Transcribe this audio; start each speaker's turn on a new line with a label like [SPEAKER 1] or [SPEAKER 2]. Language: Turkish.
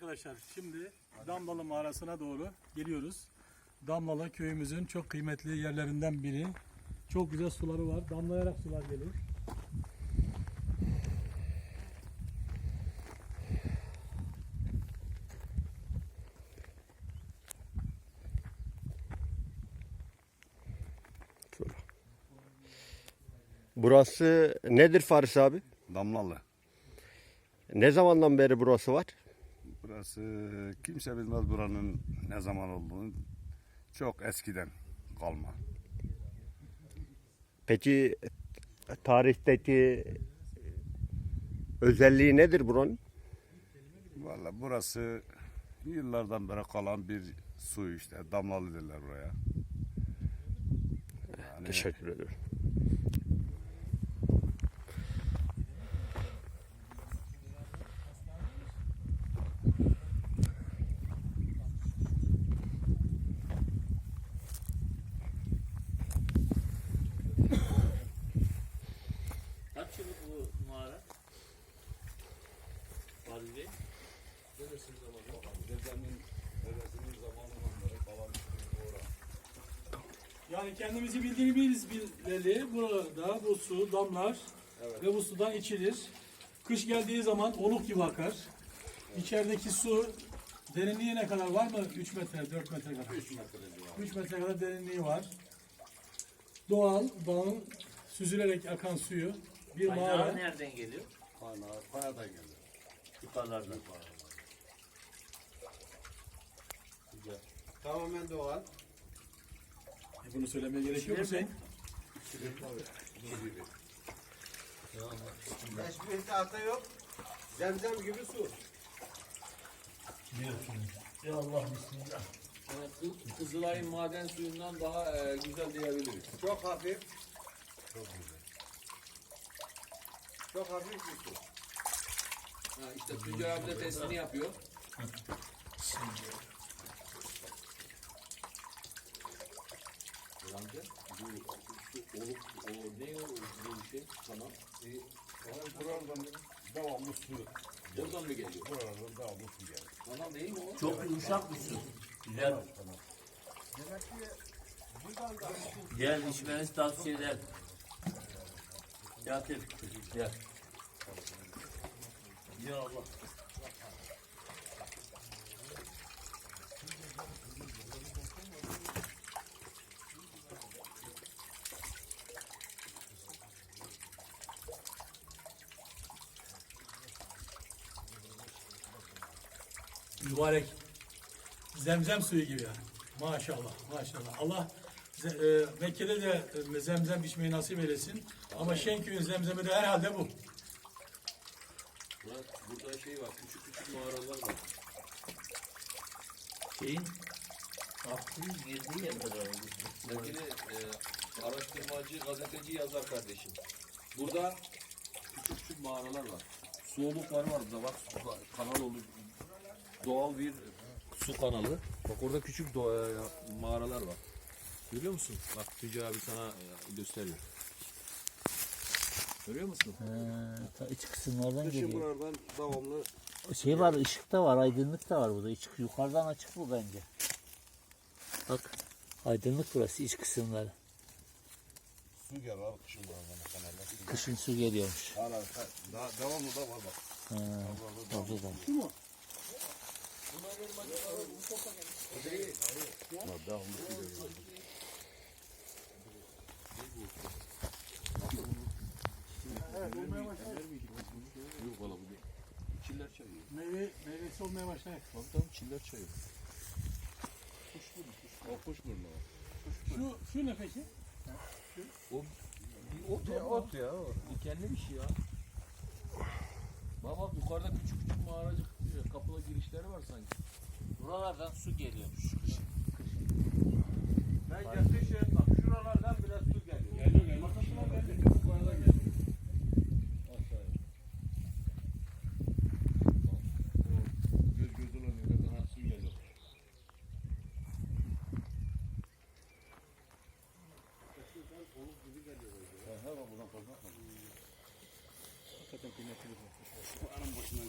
[SPEAKER 1] arkadaşlar, şimdi Damlalı mağarasına doğru geliyoruz. Damlalı köyümüzün çok kıymetli yerlerinden biri. Çok güzel suları var. Damlayarak sular gelir.
[SPEAKER 2] Burası nedir Faris abi?
[SPEAKER 3] Damlalı.
[SPEAKER 2] Ne zamandan beri burası var?
[SPEAKER 3] Burası kimse bilmez buranın ne zaman olduğunu. Çok eskiden kalma.
[SPEAKER 2] Peki tarihteki özelliği nedir buranın?
[SPEAKER 3] Vallahi burası yıllardan beri kalan bir su işte. Damlalı derler buraya. Yani
[SPEAKER 2] Teşekkür ederim.
[SPEAKER 4] Kaç yıllık bu mağara? Fahri Bey?
[SPEAKER 3] dedesinin zamanından beri kalan
[SPEAKER 1] Yani kendimizi bildiğimiz bileli buralarda bu su damlar ve bu sudan içilir. Kış geldiği zaman oluk gibi akar. İçerideki su derinliği ne kadar var mı? 3 metre, 4 metre kadar. 3 metre kadar derinliği var. Doğal, dağın süzülerek akan suyu bir
[SPEAKER 4] Kaynağı
[SPEAKER 1] mağara.
[SPEAKER 4] nereden geliyor?
[SPEAKER 3] Kayadan geldi.
[SPEAKER 4] Yukarılardan.
[SPEAKER 5] Tamamen doğal.
[SPEAKER 1] Bunu söylemeye gerek yok mu Hüseyin?
[SPEAKER 5] Hiçbir tahta yok. Zemzem gibi su.
[SPEAKER 4] Ya Allah bismillah. Yani Kızılay'ın maden suyundan daha güzel diyebiliriz.
[SPEAKER 5] Çok hafif. Çok hafif bir su.
[SPEAKER 4] Ha, işte Tuncay abi de testini yapıyor. Amca, bu su oluk, o ne o bu şey? Tamam.
[SPEAKER 3] Buradan devamlı su.
[SPEAKER 4] Oradan mı geliyor?
[SPEAKER 3] Buradan devamlı su geldi.
[SPEAKER 4] Tamam değil mi o? Çok yumuşak bir su. Güzel. Gel içmenizi tavsiye ederim. Yatır. Gel. Ya Allah.
[SPEAKER 1] Mübarek. Zemzem suyu gibi yani. Maşallah, maşallah. Allah Mekke'de de zemzem içmeyi nasip eylesin. Ama Şenköy'ün zemzemi de herhalde bu.
[SPEAKER 4] Burada şey var, küçük küçük mağaralar var. Şeyin Abdül'ün girdiği yer kadar. Sevgili araştırmacı, gazeteci, yazar kardeşim. Burada küçük küçük mağaralar var. Su olukları var burada bak, kanal olur. Doğal bir su kanalı. Bak orada küçük mağaralar var. Görüyor musun? Bak Tuncay abi sana gösteriyor. Görüyor musun?
[SPEAKER 6] Ta iç kısımlardan
[SPEAKER 5] Dışı
[SPEAKER 6] geliyor.
[SPEAKER 5] buradan devamlı.
[SPEAKER 6] Şey var, ışık da var, aydınlık da var burada. Yukarıdan açık bu bence. Bak, aydınlık burası, iç kısımları.
[SPEAKER 3] Su gelir kışın buradan kanalda.
[SPEAKER 6] Kışın su geliyormuş.
[SPEAKER 3] Hala daha devamlı da var bak.
[SPEAKER 6] Orada da.
[SPEAKER 4] Yok valla bu değil. Çiller çayı.
[SPEAKER 1] Meyvesi olmaya başlar.
[SPEAKER 4] Tabii çiller çayı. Kuşburnu o.
[SPEAKER 1] Şu ne peki?
[SPEAKER 4] O bir ot ya. O. Dikenli bir şey ya. Bak yukarıda küçük küçük mağaracık kapılı girişleri var sanki.
[SPEAKER 6] Buralardan su geliyormuş.
[SPEAKER 5] Bence kışın bak şuralarda